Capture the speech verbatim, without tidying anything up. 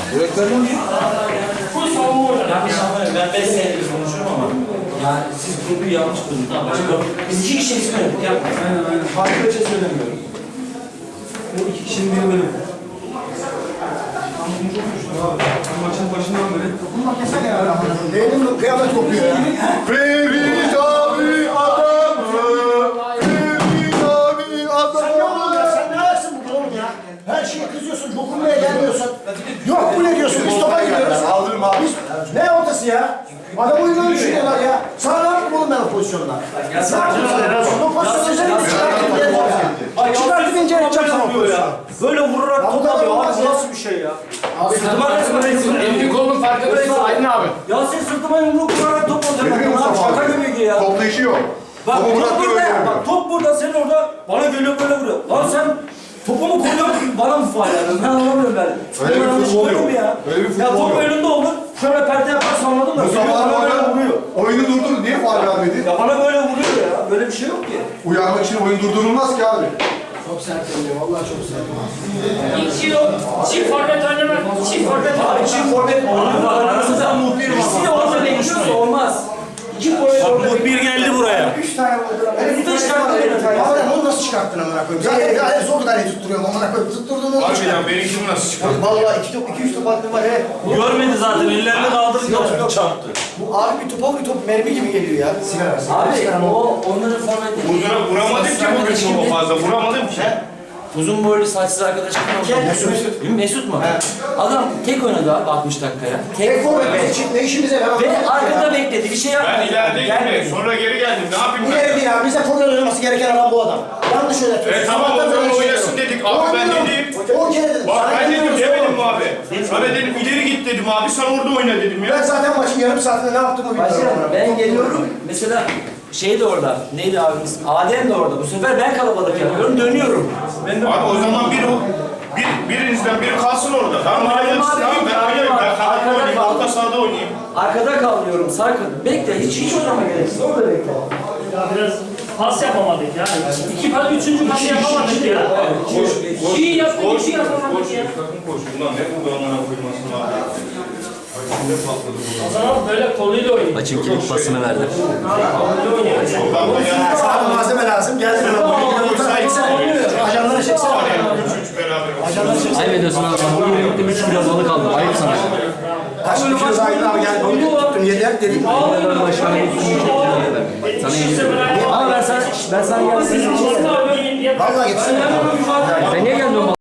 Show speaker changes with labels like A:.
A: Direktörün mü?
B: Bu savunma oynar.
C: Ben bir şey anlamıyorum. Ben beş senedir konuşuyorum ama. Yani siz kurguyu yanlış kurdunuz. Biz iki kişiyi söyledik. Yapmayın.
A: Aynen aynen. Farklı bir şey söylemiyorum. Bu iki kişinin bir bölüm. Maçın başından beri.
D: Bunlar keser ya. Değilim kıyamet kopuyor ya.
E: Ferit abi adamı, Ferit abi
D: Sen ne oğlum ya?
E: adamı.
D: Sen ne ayaksın burada oğlum ya? Her şeye kızıyorsun, dokunmaya gelmiyorsun. Yok bu ne diyorsun? Biz topa gidiyoruz.
E: Aldırma abi.
D: Biz, ne ortası ya? Adam oyunları düşünüyorlar ya. Sana ne yaptım oğlum ben o pozisyonda? Ne yaptım sana? O pozisyonda özellikle çıkarttım diye var. Çıkarttım ince yapacağım sana o pozisyonu.
C: Böyle vurarak
D: Ya bu
C: top
D: kadar
C: alıyor.
D: olmaz
C: Abi
D: ya.
C: nasıl bir şey ya?
D: Abi
C: Sırtıma resmen
B: Elini kolunun farkındayız Aydın abi.
C: Ya sen sırtıma yumruk vurarak top
E: Görüyor
C: alıyorsun.
E: musun
C: Lan şaka
E: abi?
C: gibi ya.
E: Topla işi yok.
C: Bak
E: Topu
C: top
E: bıraktı
C: burada ya.
E: öyle.
C: Bak top burada, sen orada bana geliyor böyle vuruyor. Lan sen topu mu koyuyorsun, bana mı faal yapıyorsun? Ben anlamıyorum ben.
E: Öyle bir
C: Bana
E: futbol
C: şey
E: yok.
C: mu ya?
E: Öyle bir
C: Ya
E: futbol
C: top
E: yok.
C: önünde olur. Şöyle perde yaparsa anladın mı? Geliyor
E: Mustafa
C: bana böyle
E: abi
C: vuruyor.
E: oyunu durdurdu. Niye faul vermedi?
C: Ya bana böyle vuruyor ya. Böyle bir şey yok ki.
E: Uyarmak için oyun durdurulmaz ki abi.
D: çok sert oluyor. Vallahi çok sert.
B: İki yok. Çift forvet oynamak. Çift forvet
C: Abi
B: oynamak.
C: çift forvet oynuyor. Aranızda muhbir var. İkisi de orada değişiyorsa olmaz. İki forvet orada. Muhbir geldi buraya.
D: Üç tane vurdular. Ben
C: Bir de çıkarttı beni.
D: Ama ben onu nasıl çıkarttın amına koyayım? Zaten ya hep zor kadar tutturuyorum amına koyayım. Tutturdum onu çıkarttım.
F: Harbiden benimkini nasıl çıkardın?
D: Vallahi iki top, iki üç top attım var he.
C: Görmedi zaten. Ellerini kaldırınca topu çarptı.
D: Bu abi bir topa bir top mermi gibi geliyor ya. Sigara, sigara.
C: Abi o onların forveti.
F: Vurdura, vuramadım ki bugün çok fazla. Vuramadım ki.
C: Uzun boylu saçsız arkadaşım var.
D: Mesut.
C: Mesut. Mesut mu? Adam tek oynadı abi altmış dakikaya. Tek
D: Tek forvet
C: forvet.
D: için ne işimize yarar?
C: Ve arkada bekledi. Bir şey yapmadı.
F: Ben ilerideydim de
C: Gelmedi.
F: sonra geri geldim. Ne yapayım
D: Bu
F: ben?
D: ne ya? Bize forvet oynaması gereken adam bu adam. Yanlış yönetiyorsun.
F: E tamam, o zaman oynasın dedik. Abi ben dedim.
D: On kere dedim.
F: Bak
D: Sana
F: ben dedim
D: demiyorsun
F: demedim
D: oğlum.
F: mi abi? Sana dedim ileri git dedim abi. Sen orada oyna dedim
D: Ben
F: ya.
D: zaten maçın yarım saatinde ne yaptığımı bilmiyorum.
C: Başkanım ben geliyorum. Mesela şey de orada. Neydi abimiz? Adem de orada. Bu sefer ben kalabalık yapıyorum. Dönüyorum. Ben de
F: Abi o zaman bir bir birinizden biri kalsın orada. Tamam
C: Tamam,
F: oynayalım.
C: abi,
F: Tamam ben
C: abi,
F: oynayayım. Ben
C: abi,
F: kanatta
C: arkada
F: oynayayım.
C: kal.
F: Orta sahada oynayayım.
C: Arkada kalıyorum. Sarkın. Bekle. Hiç hiç oynama gereksiz. Orada bekle.
B: Ya biraz pas yapamadık ya. İki pas, üçüncü pas yapamadık ya. İyi yaptık, iki yapamadık ya.
F: Sakın koş. Ulan ne bu bana koymasın abi. Ay, ne patladı bu.
B: O zaman böyle koluyla oynayın.
C: Açın kilit pasını verdim.
B: Koluyla oynayın.
F: Oradan da ya.
D: Sana malzeme lazım. Geldin ama. Ajanlara çeksene.
F: Üç üç beraber.
D: Ajanlara çeksene.
C: Ayıp ediyorsun abi. Bugün birlikte üç kilo balık aldım. Ayıp sana.
D: Kaç kilo aydın abi gel balık tuttun yediler dedim.
C: Başkanım sana iyi. Ama ben sana ben sana gelsin.
D: Vallahi gitsin.
C: Sen niye geldin o